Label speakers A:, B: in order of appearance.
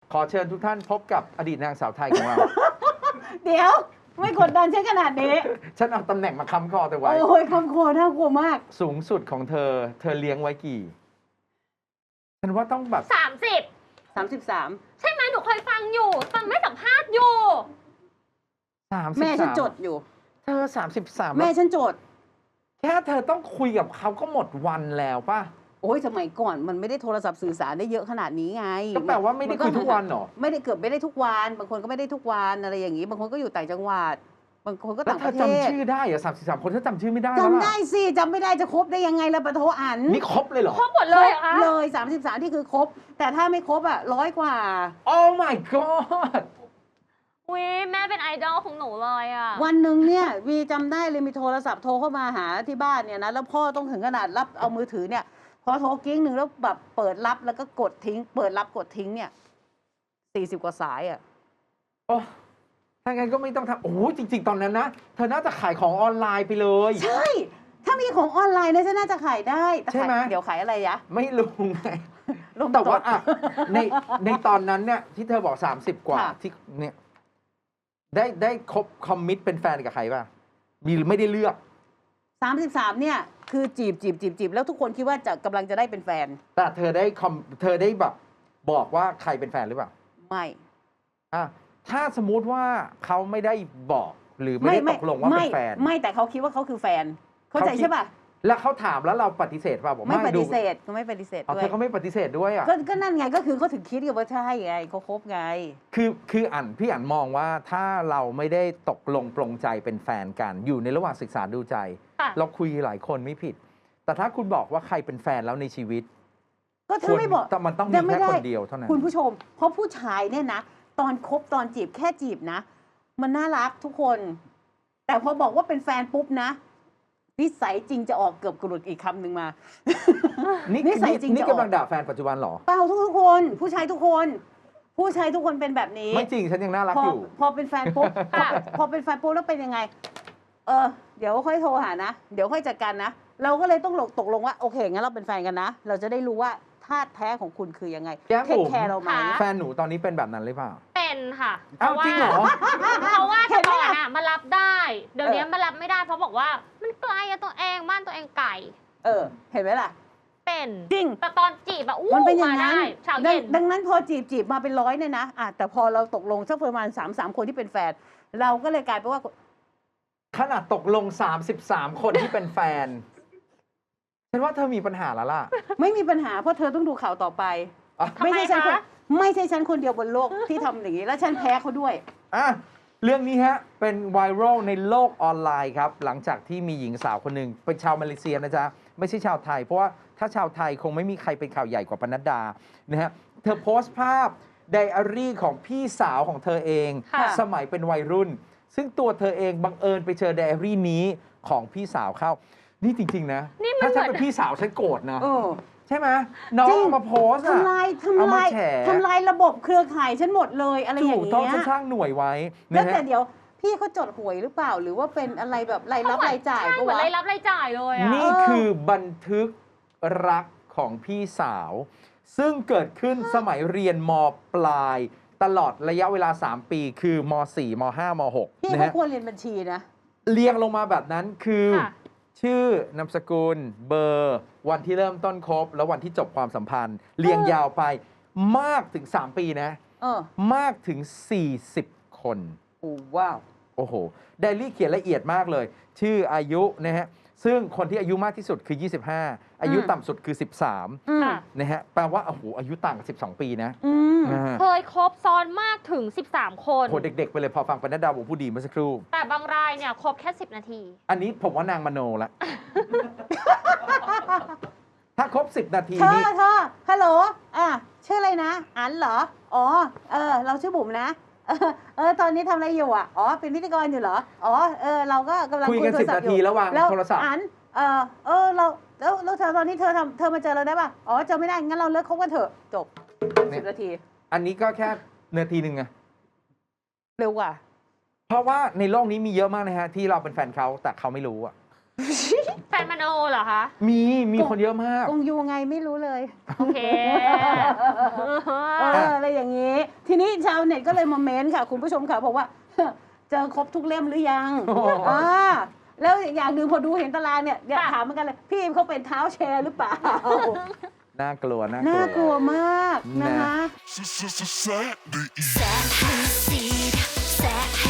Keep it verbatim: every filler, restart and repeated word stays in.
A: ขอเชิญทุกท่านพบกับอดีตนางสาวไทยของเรา
B: เดี๋ยวไม่กดดันฉันขนาดนี้
A: ฉันเอาตำแหน่งมาค้ำคอเธอไว้
B: โอ้ยคำโคน่ากลัวมาก
A: สูงสุดของเธอ เธอเลี้ยงไว้กี่ ฉันว่าต้องแบบ
C: สามสิบ
B: สามสิบสาม
C: ใช่ไหมหนูเคยฟังอยู่ ฟังไม่สัมภาษณ์อยู่
A: สามสิบ
B: แม่ฉัน
A: สาม
B: จดอยู่
A: เธอสามสิบสาม
B: แม่ฉันจด
A: แค่เธอต้องคุยกับเขาก็หมดวันแล้วป่ะ
B: โอ้ยสมัยก่อนมันไม่ได้โทรศัพท์สื่อสารได้เยอะขนาดนี้ไง
A: ก็แปลว่าไม่ได้คุยทุกวันเหรอ
B: ไม่ได้เกือบไม่ได้ทุกวัน บางคนก็ไม่ได้ทุกวันอะไรอย่างนี้ บางคนก็อยู่ต่างจังหวัด บางคนก็
A: แล้ว
B: ต่าง
A: เธ
B: ป
A: อ
B: ระเทศ
A: จำชื่อได้เหรอสามสิบสามคนเธอจำชื่อไม่ได้แล้ว
B: จำ
A: ล่ะ
B: ได้สิจำไม่ได้จะครบได้ยังไงล่ะปะโทอัน
A: นี่ครบเลยเหรอ
C: ครบหมดเลยเหรอคะ
B: เลยสามสิบสามที่คือครบ แต่ถ้าไม่ครบอ่ะร้อยกว่า
A: Oh my god
C: อุ้ยแม่เป็นไอดอลของหนูเลยอ่ะ
B: วันหนึ่งเนี่ยวีจำได้เลยมีโทรศัพท์โทรเข้ามาหาที่บ้านเนี่ยนะแล้วพ่อต้องถึงขนาดรับเอามือถือเนี่ยพอโทรกิ้งหนึ่งแล้วแบบเปิดรับแล้วก็กดทิ้ง เปิดรับกดทิ้งเนี่ยสี่สิบกว่าสายอ่ะ
A: โอ้ถ้างั้นก็ไม่ต้องทำโอ้โหจริง ๆ ตอนนั้นนะ เธอน่าจะขายของออนไลน์ไปเลย
B: ใช่ ถ้ามีของออนไลน์เนี่ยฉันน่าจะขายได้แต่
A: ใช่
B: ขาย
A: ไหม
B: เดี๋ยวขายอะไรยะ
A: ไม่รู้ไง
B: ลง
A: แต่ว่า
B: จด
A: อ่ะในในตอนนั้นเนี่ยที่เธอบอกสามสิบกว่า
B: ค่ะ
A: ที่เนี่ยได้ได้คบคอมมิตเป็นแฟนกับใครป่ะ มีหรือไม่ได้เลือก
B: สามสิบสามเนี่ยคือจีบจีบจีบจีบแล้วทุกคนคิดว่าจะกำลังจะได้เป็นแฟน
A: แต่เธอได้คอมเธอได้แบบบอกว่าใครเป็นแฟนหรือเปล่า
B: ไม่
A: อ่ะถ้าสมมุติว่าเขาไม่ได้บอกหรือไม่ได้ตกลงว่า
B: ไม่
A: เป็นแฟน
B: ไม่แต่เขาคิดว่าเขาคือแฟน เข้าใจ
A: เขาคิด
B: ใช่ป่ะ
A: แล้วเขาถามแล้วเราปฏิเสธป่ะบอก
B: ไม่ป
A: ดู
B: ฏิเสธก็ไม่ปฏิเสธ
A: เอา
B: ด้ว
A: เธ
B: ย
A: อก็ไม่ปฏิเสธด้วยอ่ะ
B: ก็ก็นั่นไงก็คือเขาถึงคิดกับว่าใช่ไงเขาคบไง
A: คือคืออ่านพี่อ่านมองว่าถ้าเราไม่ได้ตกลงปรงใจเป็นแฟนกัน อยู่ในระหว่างศึกษาดูใจ
C: ค่ะ
A: เราคุยหลายคนไม่ผิด แต่ถ้าคุณบอกว่าใครเป็นแฟนแล้วในชีวิต
B: ก็ถ้าไม่บอก
A: ควรมันต้องมี
B: ยังไม่
A: แค่
B: ได้
A: คนเดียวเท่านั้น
B: คุณผู้ชม เพราะผู้ชายเนี่ยนะ ตอนคบตอนจีบแค่จีบนะ มันน่ารักทุกคน แต่พอบอกว่าเป็นแฟนปุ๊บนะนิสัยจริงจะออกเกือบกรุดอีกคำหนึ่งมา
A: นี่
B: นิสัยจริง
A: นี่
B: จะออก
A: กำลังด่าแฟนปัจจุบันเหรอ
B: เปล่าทุกทุกคน ผู้ชายทุกคน ผู้ชายทุกคนเป็นแบบนี้
A: ไม่จริงฉันยังน่ารัก
B: พอ
A: อยู่
B: พอเป็นแฟนปุ๊บพอพอเป็นแฟนปุ๊บแล้วเป็นยังไง เออ เดี๋ยวค่อยโทรหานะ เดี๋ยวค่อยจัดการนะ เราก็เลยต้องหลกตกลงว่าโอเคงั้นเราเป็นแฟนกันนะ เราจะได้รู้ว่าธาตุแท้ของคุณคือยังไง
A: แก้ม
B: เทค
A: บุ๋ม
B: แคร์เราไหม
C: ค่ะ
A: แฟนหนูตอนนี้เป็นแบบนั้นหรือเปล่า
C: เป็นค่ะ
A: อ้าวจริงเหรอ
C: เพราะว่า
B: เห็
C: แต่
B: นไหม
C: ก่อน
B: ล่ะ
C: อ่ะมารับได้ เดี๋ยวนี้
B: เออ
C: มารับไม่ได้เพราะบอกว่ามันไกลอะตัวเองบ้านตัวเองไกล
B: เออ เห็นไหมล่ะ
C: เป็น
B: จริง
C: แต่ตอนจีบอะอู้
B: มันเป็นอย่าง
C: มา
B: นั้น
C: ได้เช้า
B: ดั
C: เย็
B: ง
C: น
B: ดังนั้นพอจีบจีบมาเป็นร้อยเนี่ยนะอ่ะแต่พอเราตกลงสักประมาณสามสามคนที่เป็นแฟน เราก็เลยกลายเป็นว่า
A: ขนาดตกลง สามสิบสาม คนที่เป็นแฟน ฉันว่าเธอมีปัญหาแล้วล่ะ
B: ไม่มีปัญหาเพราะเธอต้องดูข่าวต่อไป
A: อ่ะ
C: ทำไม
B: ไม่ใช่ฉันคน
C: คะ
B: ไม่ใช่ฉันคนเดียวบนโลกที่ทำอย่างนี้ แล้วฉันแพ้เขาด้วย
A: อ่ะเรื่องนี้ฮะ เป็นไวรัลในโลกออนไลน์ครับ หลังจากที่มีหญิงสาวคนหนึ่งเป็นชาวมาเลเซียนะจ๊ะ ไม่ใช่ชาวไทย เพราะว่าถ้าชาวไทยคงไม่มีใครเป็นข่าวใหญ่กว่าปนัดดานะฮะเธอโพสต์ภาพไดอารี่ของพี่สาวของเธอเอง
C: ค่ะ
A: สมัยเป็นวัยรุ่น ซึ่งตัวเธอเองบังเอิญไปเจอไดอารี่นี้ของพี่สาวเข้า นี่จริง ๆ นะ
C: นี่มัน
A: ถ้าฉัน
C: เหมื
A: เป็
C: อน
A: นพี่สาวฉันโกรธนะ
B: เออ
A: ใช่ไหมน้อง
B: จริง
A: เอามาโพสต์อะ
B: ทำลาย
A: เอา
B: ทำ
A: มา
B: ลาย
A: แฉ
B: ทำลายระบบเครือข่ายฉันหมดเลยอะไรอ
A: ถู
B: ย่าก ง
A: ต้อง
B: เงี้
A: ฉัน
B: ย
A: สร้างหน่วยไว้
B: แล้ว
A: นะ
B: แต่
A: ฮะ
B: เดี๋ยวพี่เขาจดหวยหรือเปล่า หรือว่าเป็นอะไรแบบรายรับรายจ่าย
C: ใช่
B: ปะ
C: เหมือน
B: วะ
C: รายรับรายจ่ายเลยอะ
A: นี่คือบันทึกรักของพี่สาว ซึ่งเกิดขึ้นสมัยเรียนมปลาย ตลอดระยะเวลา สาม ปี คือม สี่ ม ห้า ม หก
B: พี่
A: นะ
B: เขา
A: ฮะ
B: ควรเรียนบัญชีนะ
A: เรียงลงมาแบบนั้นคือ
C: ค่ะ
A: ชื่อนามสกุล เบอร์ วันที่เริ่มต้นคบ แล้ววันที่จบความสัมพันธ์ เรียงยาวไปมากถึง สาม ปีนะ
B: เออ
A: มากถึง สี่สิบ คน
B: โอ้ว้าว
A: โอ้โห ไดอารี่เขียนละเอียดมากเลย ชื่ออายุนะฮะ ซึ่งคนที่อายุมากที่สุดคือ ยี่สิบห้า อายุ
B: อืม
A: ต่ำสุดคือ สิบสาม
B: อืม
C: ค่ะ
A: นะฮะ แปลว่าโอ้โห อายุต่างกันสิบสอง ปีนะ
B: อืม
A: นะฮะ
C: เคยคบซ้อนมากถึง สิบสาม คน
A: โห เด็ก ๆ ไปเลยพอฟังปนัดดาวงผู้ดีเมื่อสักครู่
C: แต่บางรายเนี่ยคบแค่ สิบ นาที
A: อันนี้ผมว่านางมโนละ ถ้าครบ สิบ นาที
B: เธอ
A: นี่
B: เธอฮัลโหล อ่ะ ชื่ออะไรนะ อันเหรอ อ๋อ เออ เราชื่อบุ๋มนะ เออเออ ตอนนี้ทำอะไรอยู่อ่ะ อ๋อ เป็นพิธีกรอยู่เหรอ อ๋อ เออ เราก็กำลัง
A: คุยกัน
B: โทร
A: สิบ
B: ศัพ
A: นา
B: ท์อ
A: ที
B: ยู่
A: แล้ววาง
B: แล้ว
A: โทรศัพท์
B: อัน เออ เออ เรา แล้วแล้วเธอตอนนี้เธอทำเธอมาเจอเราได้ป่ะ อ๋อ เจอไม่ได้ งั้นเราเลิกคบกันเถอะ จบสิบนาที
A: อันนี้ก็แค่นาทีหนึ่งไง
B: เร็วกว่า
A: เพราะว่าในโลกนี้มีเยอะมากนะฮะ ที่เราเป็นแฟนเขาแต่เขาไม่รู้อะ
C: แฟนมโนเหรอคะ
A: มี มีคนเยอะมาก
B: กงยูไงไม่รู้เลย
C: โอเค
B: เออ อะไรอย่างนี้ ทนี้ชาวเน็ตก็เลยมาเม้นค่ะ คุณผู้ชมค่ะบอกว่า เจอครบทุกเล่มหรือยัง
A: โอ้โห
B: อ่าแล้วอย่างหนึ่งพอดูเห็นตารางเนี่ยอยากถามเหมือนกันเลย พี่เขาเป็นเท้าแชร์หรือเปล่า
A: น่ากลัวน่ากลัว
B: น่ากลัวมากนะคะ
D: Set the